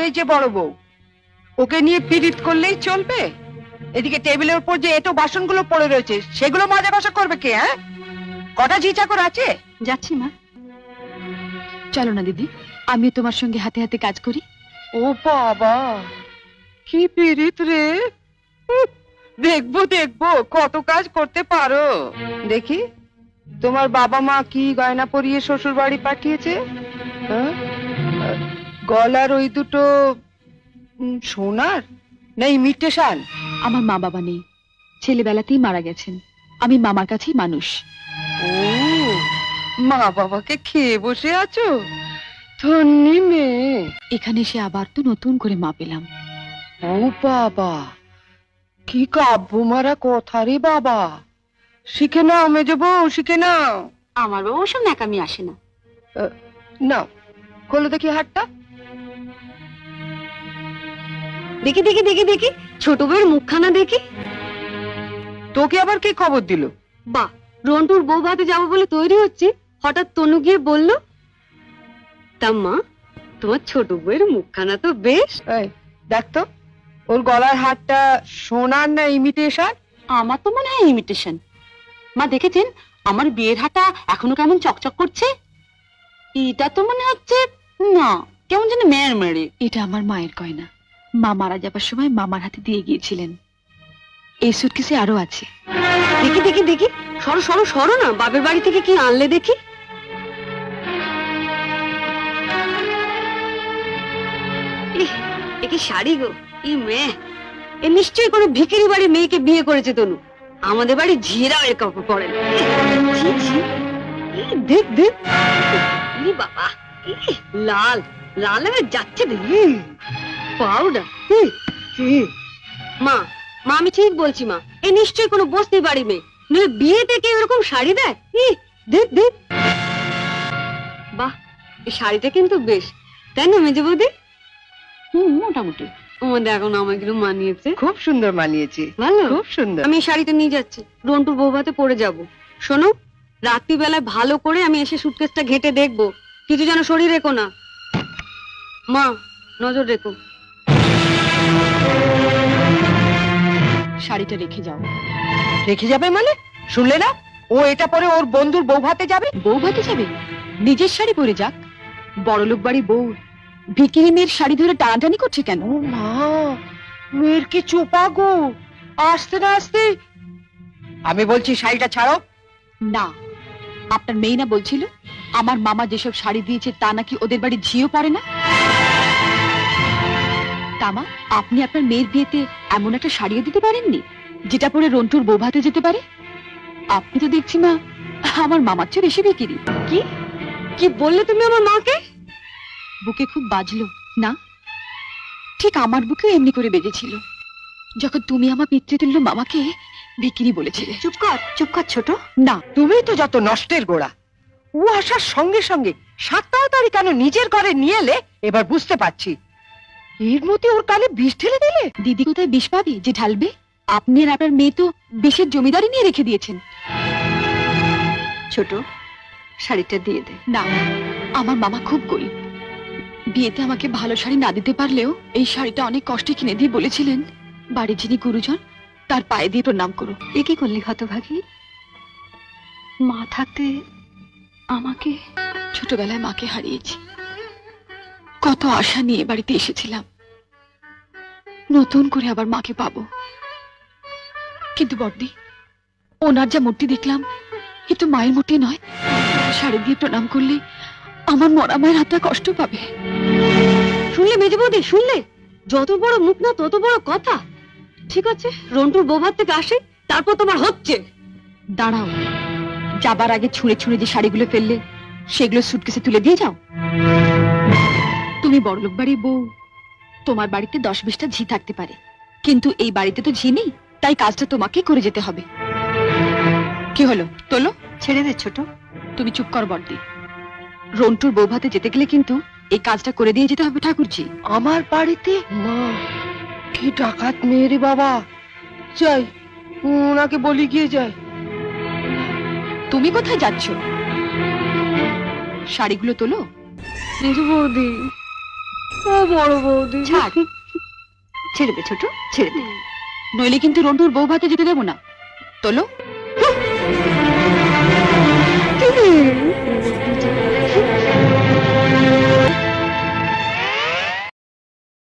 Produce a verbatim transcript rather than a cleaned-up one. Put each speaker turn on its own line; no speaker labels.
এই যে বড় বউ, ওকে নিয়ে পীড়িত করলেই চলবে? এদিকে টেবিলের উপর যে এটো বাসনগুলো পড়ে রয়েছে সেগুলো মাজা ঘষা করবে কে? হ্যাঁ, কটা ঝি চাকর আছে?
যাচ্ছি মা। চলো না দিদি, আমিও তোমার সঙ্গে হাতে হাতে কাজ করি।
ও বাবা, কি পীড়িত রে! উহ, দেখবো দেখবো কত কাজ করতে পারো। দেখি তোমার বাবা মা কি গয়না পরিয়ে শ্বশুর বাড়ি পাঠিয়েছে। হ্যাঁ? গলার ওই দুটো উম, সোনার না ইমিটেশন?
আমার মা বাবা নেই, ছেলেবেলাতেই মারা গেছেন। আমি মামার কাছেই মানুষ।
ও, মা বাবাকে খেয়ে বসে আছো? ধন্যি মেয়ে।
এখানে এসে আবার তো নতুন করে মা পেলাম।
ও বাবা, কি কাব্য মারা কথা রে বাবা! শিখে নাও মেজো বউ, শিখে নাও।
আমার বাবা ওসব ন্যাকামি আসে না।
নাও, খোলো দেখি হাতটা।
দেখি দেখি দেখি দেখি ছোট বউয়ের মুখখানা দেখি।
তোকে আবার কি খবর দিল?
বা, রন্টুর বউ ভাতে যাবো বলে তৈরি হচ্ছে, হঠাৎ তনু গিয়ে বলল, তা মা তোমার ছোট বউয়ের মুখখানা তো বেশ।
এই দেখ তো, ওর গলার হারটা সোনার না ইমিটেশন?
আমার তো মনে হয় ইমিটেশন। মা দেখেছেন আমার বিয়ের হাটা এখনো কেমন চকচক করছে? এটা তো মনে হচ্ছে না, কেমন যেন মেয়ের মেরে। এটা আমার মায়ের গয়না, মা মারা যাবার সময় মামার হাতে দিয়ে গিয়েছিলেন। এই সুটকেসে আরো আছে। দেখি দেখি দেখি, সরো সরো সরো না, বাপের বাড়ি থেকে কি আনলে দেখি। একে শাড়ি গো, ই মেয়ে, এ নিশ্চয়ই কোনো ভিখারি বাড়ির মেয়েকে বিয়ে করেছে তনু। আমাদের বাড়ি ঝিয়েরাও এর কাপড় পরে না। ছি, ছি, ই দেখ দেখ, ই বাবা, ই লাল লাল হয়ে যাচ্ছে দেখি, পাউডার। মা মা আমি ঠিক বলছি মা, এ নিশ্চয়ই কোনো বস্তি বাড়ি মেয়ে, নইলে বিয়ে থেকে এরকম শাড়ি দেয়? ই দেখ দেখ, বাহ, এই শাড়িটা কিন্তু বেশ, তাই না মেজে বৌদি? হুম, মোটামুটি। আমাদের এখন আমাকে মানিয়েছে,
খুব সুন্দর মানিয়েছে,
ভালো,
খুব সুন্দর।
আমি শাড়িটা নিয়ে যাচ্ছি, রন্টুর বউ ভাতে পরে যাব। শোনো, রাত্রিবেলায় ভালো করে আমি এসে সুটকেসটা ঘেটে দেখবো, কিছু যেন শরীর রেখো না। মা নজর রেখো। শাড়িটা রেখে যাও।
রেখে যাবে মানে? শুনলে না, ও এটা পরে ওর বন্ধুর বউ ভাতে যাবে।
বউ ভাতে যাবে? নিজের শাড়ি পরে যাক। বড়লোক বাড়ি বউ ভিকিরি মেয়ের শাড়ি ধরে টানাটানি করছে কেন?
ও মা, মেয়ের কি চোপা গো! আসতে না আসতে। আমি বলছি শাড়িটা ছাড়ো।
না, আপনার মেয়ে না বলছিল আমার মামা যেসব শাড়ি দিয়েছে তা নাকি ওদের বাড়ি ঝিও পড়ে না? তামা, আপনি আপনার মেয়ের বিয়েতে এমন একটা শাড়িও দিতে পারেননি যেটা পরে রন্টুর বউ ভাতে যেতে পারে? আপনি তো দেখছি মা আমার মামার চেয়ে বেশি বিকিরি। কি কি বললে তুমি আমার মাকে? বুকে খুব বাজলো না? ঠিক আমার বুকেও এমনি করে বেজেছিল যখন তুমি আমার পিতৃতুল্য মামাকে বিকিরি বলেছিলে। চুপ কর, চুপ কর ছোট। না,
তুমি তো যত নষ্টের গোড়া। ও আসার সঙ্গে সঙ্গে সাত তাড়াতাড়ি কেন নিজের ঘরে নিয়ে এলে এবার বুঝতে পারছি। এর মধ্যে ওর কানে বিষ ঢেলে দিলে।
দিদি কোথায় বিষ পাবি যে ঢালবে? আপনি আর আপনার মেয়ে তো বিষের জমিদারি নিয়ে রেখে দিয়েছেন। ছোট, শাড়িটা দিয়ে দে। না, আমার মামা খুব গরিব, বিয়েতে আমাকে ভালো শাড়ি না দিতে পারলেও এই শাড়িটা অনেক কষ্টে কিনে দিয়ে বলেছিলেন বাড়ির যিনি গুরুজন তার পায়ে দিয়ে প্রণাম করো। এ কি করলি হতভাগী? মা থাকতে আমাকে, ছোটবেলায় মাকে হারিয়েছি, কত আশা নিয়ে বাড়িতে এসেছিলাম, নতুন করে আবার মাকে পাবো। কিন্তু বড়দি, ওনার যা মূর্তি দেখলাম এ তো মায়ের মূর্তি নয়। শাড়ি দিয়ে প্রণাম করলে আমার মরা মায়ের হাতটা কষ্ট পাবে। শুনলে মেজে বৌদি, শুনলে? যত বড় মুখ না তত বড় কথা। ঠিক আছে, রন্টুর বৌভাত থেকে আসে, তারপর তোমার হচ্ছে। দাঁড়াও, যাবার আগে ছুঁড়ে ছুঁড়ে যে শাড়িগুলো ফেললে সেগুলো সুটকেসে তুলে দিয়ে যাও। তুমি বড়লোক বাড়ির বউ, তোমার বাড়িতে দশ বিশটা ঝি থাকতে পারে, কিন্তু এই বাড়িতে তো ঝি নেই, তাই কাজটা তোমাকে করে যেতে হবে। কি হলো, তোলো। ছেড়ে দে ছোট। তুমি চুপ কর বড়দি। রন্টুর বউ ভাতে যেতে গেলে কিন্তু এই কাজটা করে দিয়ে যেতে হবে ঠাকুরজি।
আমার বাড়িতে? মা, কি ডাকাত মেয়ে রে বাবা! যাই, ওনাকে বলি গিয়ে যাই।
তুমি কোথায় যাচ্ছ? শাড়িগুলো তোলো। মেজো বৌদি,
ও বড় বৌদি,
ছাড়, ছেড়ে দে ছোট, ছেড়ে দে, নইলে কিন্তু রন্টুর বউ ভাতে যেতে দেবো না। তোলো।